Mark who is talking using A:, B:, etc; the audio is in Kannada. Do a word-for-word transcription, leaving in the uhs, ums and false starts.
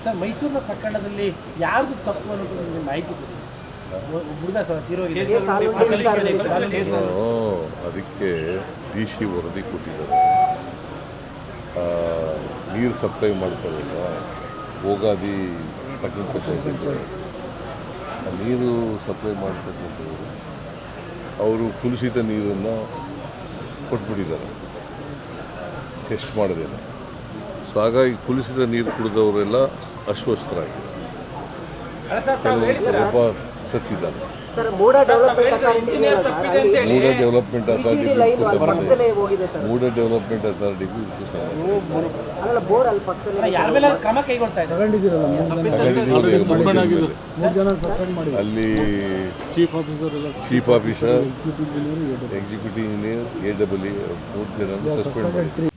A: ಸರ್ ಮೈಸೂರಿನ ಪ್ರಕರಣದಲ್ಲಿ ಯಾರ್ದು ತಪ್ಪು ಅನ್ನೋದು ನಿಮಗೆ ಮಾಹಿತಿ ಗೊತ್ತಿದೆ? ಹುಡುಗ ಸರ್ ತೀರೋಗಿದೆ.
B: ಅದಕ್ಕೆ ಡಿ ಸಿ ವರದಿ ಕೊಟ್ಟಿದ್ದಾರೆ. ನೀರು ಸಪ್ಲೈ ಮಾಡ್ತಾರಲ್ಲ ಹೋಗಾದಿ ಪಟ್ಟಣಪೇಟೆ ನೀರು ಸಪ್ಲೈ ಮಾಡ್ತಕ್ಕಂಥವ್ರು ಅವರು ಕುಲುಷಿತ ನೀರನ್ನು ಕೊಟ್ಬಿಟ್ಟಿದ್ದಾರೆ ಟೆಸ್ಟ್ ಮಾಡೋದೇನೆ. ಸೊ ಹಾಗಾಗಿ ಕುಲುಷಿತ ನೀರು ಕುಡಿದವರೆಲ್ಲ ಅಸ್ವಸ್ಥರಾಗಿದ್ದಾರೆ, ಕೆಲವು ಒಬ್ಬ ಸತ್ತಿದ್ದಾರೆ. MUDA development authority MUDA development ಅಥಾರಿಟಿಗೂ ಅಲ್ಲಿ chief officer executive engineer A W ಮೂರು ಜನ ಸಸ್ಪೆಂಡ್ ಮಾಡಿದ್ರು.